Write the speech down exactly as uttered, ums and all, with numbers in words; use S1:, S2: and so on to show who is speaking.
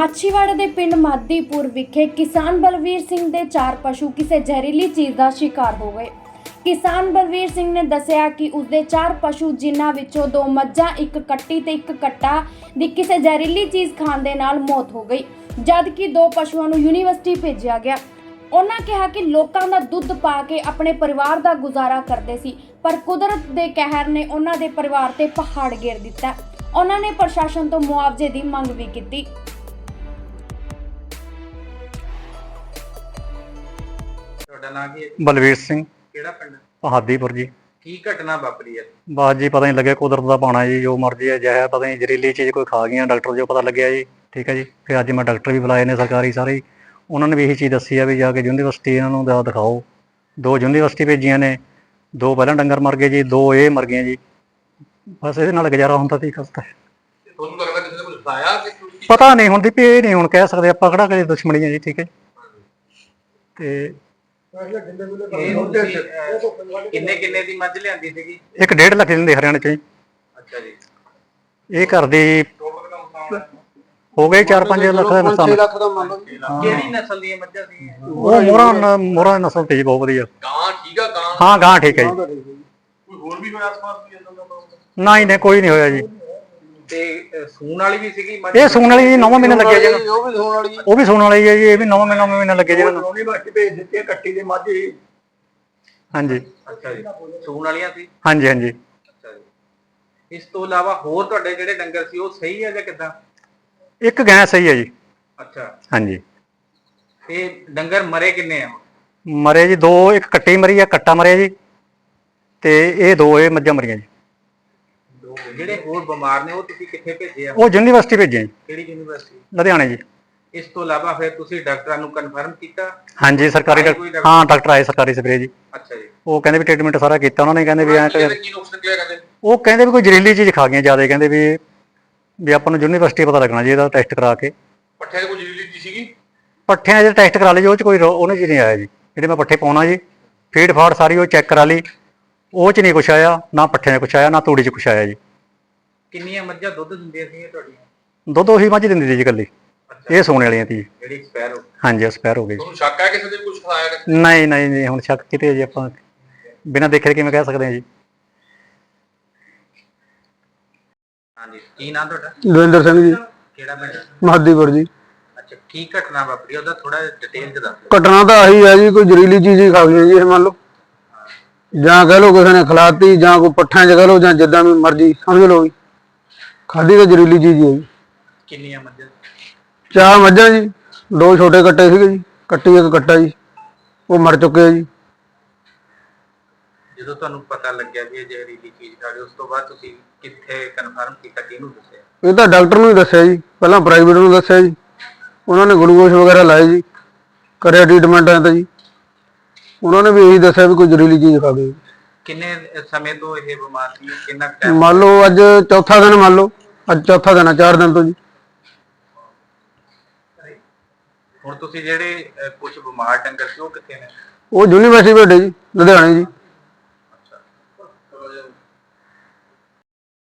S1: ਮਾਛੀਵਾੜਾ ਦੇ ਪਿੰਡ ਮਾਦੀਪੁਰ ਵਿਖੇ ਕਿਸਾਨ ਬਲਵੀਰ ਸਿੰਘ ਦੇ ਚਾਰ ਪਸ਼ੂ ਕਿਸੇ ਜ਼ਹਿਰੀਲੀ ਚੀਜ਼ ਦਾ ਸ਼ਿਕਾਰ ਹੋ ਗਏ। ਕਿਸਾਨ ਬਲਵੀਰ ਸਿੰਘ ਨੇ ਦੱਸਿਆ ਕਿ ਉਸਦੇ ਚਾਰ ਪਸ਼ੂ ਜਿਨ੍ਹਾਂ ਵਿੱਚੋਂ ਦੋ ਮੱਝਾਂ, ਇੱਕ ਕੱਟੀ ਤੇ ਇੱਕ ਕੱਟਾ ਦੀ ਕਿਸੇ ਜ਼ਹਿਰੀਲੀ ਚੀਜ਼ ਖਾਣ ਦੇ ਨਾਲ ਮੌਤ ਹੋ ਗਈ, ਜਦ ਕਿ ਦੋ ਪਸ਼ੂਆਂ ਨੂੰ ਯੂਨੀਵਰਸਿਟੀ ਭੇਜਿਆ ਗਿਆ। ਉਹਨਾਂ ਕਿਹਾ ਕਿ ਲੋਕਾਂ ਦਾ ਦੁੱਧ ਪਾ ਕੇ ਆਪਣੇ ਪਰਿਵਾਰ ਦਾ ਗੁਜ਼ਾਰਾ ਕਰਦੇ ਸੀ, ਪਰ ਕੁਦਰਤ ਦੇ ਕਹਿਰ ਨੇ ਉਹਨਾਂ ਦੇ ਪਰਿਵਾਰ ਤੇ ਪਹਾੜ ਗੇਰ ਦਿੱਤਾ। ਉਹਨਾਂ ਨੇ ਪ੍ਰਸ਼ਾਸਨ ਤੋਂ ਮੁਆਵਜ਼ੇ ਦੀ ਮੰਗ ਵੀ ਕੀਤੀ।
S2: बलवीर सिंह हादीपुर जी।
S3: की घटना वापरी है?
S2: बस जी पता नहीं लगे, कुदरत का पाना जी, जो मर्जी है जहर पता नहीं जहरीली चीज़ कोई खा गई, डॉक्टर जो पता लगे जी। ठीक है जी, फिर अज मैं डॉक्टर भी बुलाए ने सरकारी सारे, उन्होंने भी यही चीज़ दसी है भी जाके यूनीवर्सिटी इन्होंने दिखाओ। दो यूनीवर्सिटी भेजिया ने, दो पहला डंगर मर गए जी, दो ये मर गए जी। बस ये गुजारा होंदा सी करता है। पता नहीं हुंदी भी ये नहीं हुण कह सकते आपां किहड़ा कदे दुश्मनी है जी। ठीक है ते
S3: किन्ने किन्ने दी मझ लियांदी सीगी?
S2: एक डेढ़ लख दिंदे हरियाणे च।
S3: अच्छा जी।
S2: ये घर दी हो गए चार पांच लख दा नुकसान।
S3: केड़ी नस्ल दी मझां सी?
S2: वो मोरा मोरा नस्ल दी बहुत वधिया।
S3: गां ठीक है? गां
S2: हां गां ठीक है जी।
S3: कोई होर भी होया आस-पास भी इदां दा?
S2: नहीं नहीं कोई नहीं होया जी।
S3: ते सूण वाली भी सीगी मझ?
S2: ये सूण वाली नौ महीने लगे जी, वो भी सूण वाली वो भी सूण वाली है जी। ये भी नौ महीने महीने लगे जी इन्हां
S3: नौवीं बाकी भेज दित्ती है कट्टी दे मझ ही।
S2: हां जी।
S3: अच्छा जी, सूण वालियां सी?
S2: हां जी हां जी।
S3: अच्छा जी। इस तो इलावा होर तुहाडे जेहड़े डंगर सी वो सही है जां किदां?
S2: एक गाय सही है जी।
S3: अच्छा।
S2: हां जी।
S3: ते डंगर मरे किन्ने आ?
S2: मरे जी दो, एक कट्टी मरी है, कट्टा मरिया जी, ते ये दो ये मज्जां मरियां जी।
S3: ਜਿਹੜੇ ਹੋਰ ਬਿਮਾਰ ਨੇ ਉਹ ਤੁਸੀਂ ਕਿੱਥੇ ਭੇਜੇ ਆ?
S2: ਉਹ ਯੂਨੀਵਰਸਿਟੀ ਭੇਜੇ ਜੀ।
S3: ਕਿਹੜੀ ਯੂਨੀਵਰਸਿਟੀ?
S2: ਲੁਧਿਆਣੇ ਜੀ।
S3: ਇਸ ਤੋਂ ਇਲਾਵਾ ਫਿਰ ਤੁਸੀਂ ਡਾਕਟਰਾਂ ਨੂੰ ਕਨਫਰਮ ਕੀਤਾ?
S2: ਹਾਂਜੀ ਸਰਕਾਰੀ ਡਾਕਟਰ, ਹਾਂ ਡਾਕਟਰ ਆਏ ਸਰਕਾਰੀ ਸਪਰੇ ਜੀ।
S3: ਅੱਛਾ ਜੀ।
S2: ਉਹ ਕਹਿੰਦੇ ਵੀ ਟ੍ਰੀਟਮੈਂਟ ਸਾਰਾ ਕੀਤਾ ਉਹਨਾਂ ਨੇ, ਕਹਿੰਦੇ ਵੀ ਐਂ
S3: ਕੀ ਨੁਕਸ ਨਿਕਲਿਆ ਕਹਿੰਦੇ?
S2: ਉਹ ਕਹਿੰਦੇ ਵੀ ਕੋਈ ਜ਼ਹਿਰੀਲੀ ਚੀਜ਼ ਖਾ ਗਈਆਂ ਜ਼ਿਆਦਾ, ਕਹਿੰਦੇ ਵੀ ਵੀ ਆਪਾਂ ਨੂੰ ਯੂਨੀਵਰਸਿਟੀ ਪਤਾ ਲੱਗਣਾ ਜੀ, ਇਹਦਾ ਟੈਸਟ ਕਰਾ ਕੇ।
S3: ਪੱਠਿਆਂ 'ਚ ਕੋਈ ਜ਼ਹਿਰੀਲੀ ਚੀਜ਼ ਸੀਗੀ?
S2: ਪੱਠਿਆਂ 'ਚ ਟੈਸਟ ਕਰਾ ਲਈ ਜੀ, ਉਹ 'ਚ ਕੋਈ ਉਹਨੇ ਚੀਜ਼ ਨਹੀਂ ਆਇਆ ਜੀ। ਜਿਹੜੇ ਮੈਂ ਪੱਠੇ ਪਾਉਣਾ ਜੀ, ਫੀਡ ਫਾੜ ਸਾਰੀ ਉਹ ਚੈੱਕ ਕਰਾ ਲਈ, ਉਹ 'ਚ ਨਹੀਂ ਕੁਛ ਆਇਆ, ਨਾ ਪੱਠਿਆਂ 'ਚ ਕੁਛ ਆਇਆ, ਨਾ ਤੂੜੀ 'ਚ ਕੁਛ ਆਇਆ ਜੀ।
S3: ਕਿੰਨੀਆਂ ਮੱਝਾਂ ਦੁੱਧ ਦਿੰਦੀਆਂ ਸੀ ਤੁਹਾਡੀਆਂ?
S2: ਦੁੱਧ ਉਹੀ ਮੱਝ ਦਿੰਦੀ ਸੀ ਜੀ ਇਕੱਲੀ, ਇਹ ਸੋਨੇ ਵਾਲੀਆਂ ਸੀ
S3: ਜਿਹੜੀ ਐਕਸਪਾਇਰ ਹੋ ਗਈ।
S2: ਹਾਂਜੀ ਐਕਸਪਾਇਰ ਹੋ ਗਈ।
S3: ਤੁਹਾਨੂੰ ਸ਼ੱਕ ਹੈ ਕਿਸੇ ਦੇ ਕੁਝ ਖਾਇਆ?
S2: ਨਹੀਂ ਨਹੀਂ ਨਹੀਂ, ਹੁਣ ਸ਼ੱਕ ਕਿਤੇ ਜੀ, ਆਪਾਂ ਬਿਨਾਂ ਦੇਖੇ ਕਿਵੇਂ ਕਹਿ ਸਕਦੇ ਹਾਂ ਜੀ।
S3: ਹਾਂਜੀ, ਕੀ ਨਾਮ ਤੁਹਾਡਾ?
S4: ਦਵਿੰਦਰ ਸਿੰਘ ਜੀ।
S3: ਕਿਹੜਾ ਪਿੰਡ?
S4: ਮਾਦੀਪੁਰ ਜੀ।
S3: ਅੱਛਾ, ਕੀ ਘਟਨਾ ਵਾਪਰੀ ਉਹਦਾ ਥੋੜਾ ਡਿਟੇਲ ਚ ਦੱਸੋ।
S4: ਘਟਨਾ ਤਾਂ ਆਹੀ ਹੈ ਜੀ, ਕੋਈ ਜ਼ਹਿਰੀਲੀ ਚੀਜ਼ ਹੀ ਖਾ ਗਈ ਜੀ ਇਹ, ਮੰਨ ਲਓ ਜਾਂ ਕਹਿ ਲਓ ਕਿਸੇ ਨੇ ਖਿਲਾਤੀ, ਜਾਂ ਕੋਈ ਪੱਠਿਆਂ 'ਚ ਕਹਿ ਲਓ, ਜਾਂ ਜਿੱਦਾਂ ਵੀ ਮਰਜ਼ੀ ਸਮਝ ਲਓ ਜੀ, ਖਾਧੀ ਤਾਂ ਜ਼ਹਿਰੀਲੀ ਚੀਜ਼ ਹੀ ਹੈ ਜੀ।
S3: ਕਿੰਨੀਆਂ ਮੱਝਾਂ?
S4: ਚਾਰ ਮੱਝਾਂ ਜੀ, ਦੋ ਛੋਟੇ ਕੱਟੇ ਸੀਗੇ ਜੀ, ਕੱਟੀ ਇੱਕ ਕੱਟਾ ਜੀ, ਉਹ ਮਰ ਚੁੱਕੇ ਆ ਜੀ।
S3: ਜਦੋਂ ਤੁਹਾਨੂੰ ਪਤਾ ਲੱਗਿਆ ਵੀ ਇਹ ਜ਼ਹਿਰੀਲੀ ਚੀਜ਼ ਖਾ ਗਈ, ਉਸ ਤੋਂ ਬਾਅਦ ਤੁਸੀਂ ਕਿੱਥੇ ਕਨਫਰਮ ਕੀਤਾ, ਕਿਹਨੂੰ ਦੱਸਿਆ?
S4: ਇਹ ਤਾਂ ਡਾਕਟਰ ਨੂੰ ਹੀ ਦੱਸਿਆ ਜੀ, ਪਹਿਲਾਂ ਪ੍ਰਾਈਵੇਟ ਨੂੰ ਦੱਸਿਆ ਜੀ, ਉਹਨਾਂ ਨੇ ਗਲੂਕੋਜ਼ ਵਗੈਰਾ ਲਾਏ ਜੀ, ਕਰਿਆ ਟ੍ਰੀਟਮੈਂਟ ਐ ਤਾਂ ਜੀ, ਉਹਨਾਂ ਨੇ ਵੀ ਇਹੀ ਦੱਸਿਆ ਵੀ ਕੋਈ ਜ਼ਹਿਰੀਲੀ ਚੀਜ਼ ਖਾ ਗਈ।
S3: ਕਿੰਨੇ ਸਮੇਂ ਤੋਂ ਇਹ ਬਿਮਾਰ ਸੀ? ਕਿੰਨਾ ਟਾਈਮ?
S4: ਮੰਨ ਲਓ ਅੱਜ ਚੌਥਾ ਦਿਨ, ਮੰਨ ਲਓ ਅੱਜ ਚੌਥਾ ਦਿਨ ਆ, ਚਾਰ ਦਿਨ ਤੋਂ ਜੀ।
S3: ਹੁਣ ਤੁਸੀਂ ਜਿਹੜੇ ਕੁਝ ਬਿਮਾਰ ਡੰਗਰ ਸੀ ਉਹ ਕਿੱਥੇ ਨੇ?
S4: ਉਹ ਯੂਨੀਵਰਸਿਟੀ ਭੇਜੇ ਜੀ, ਲੁਧਿਆਣੇ ਜੀ।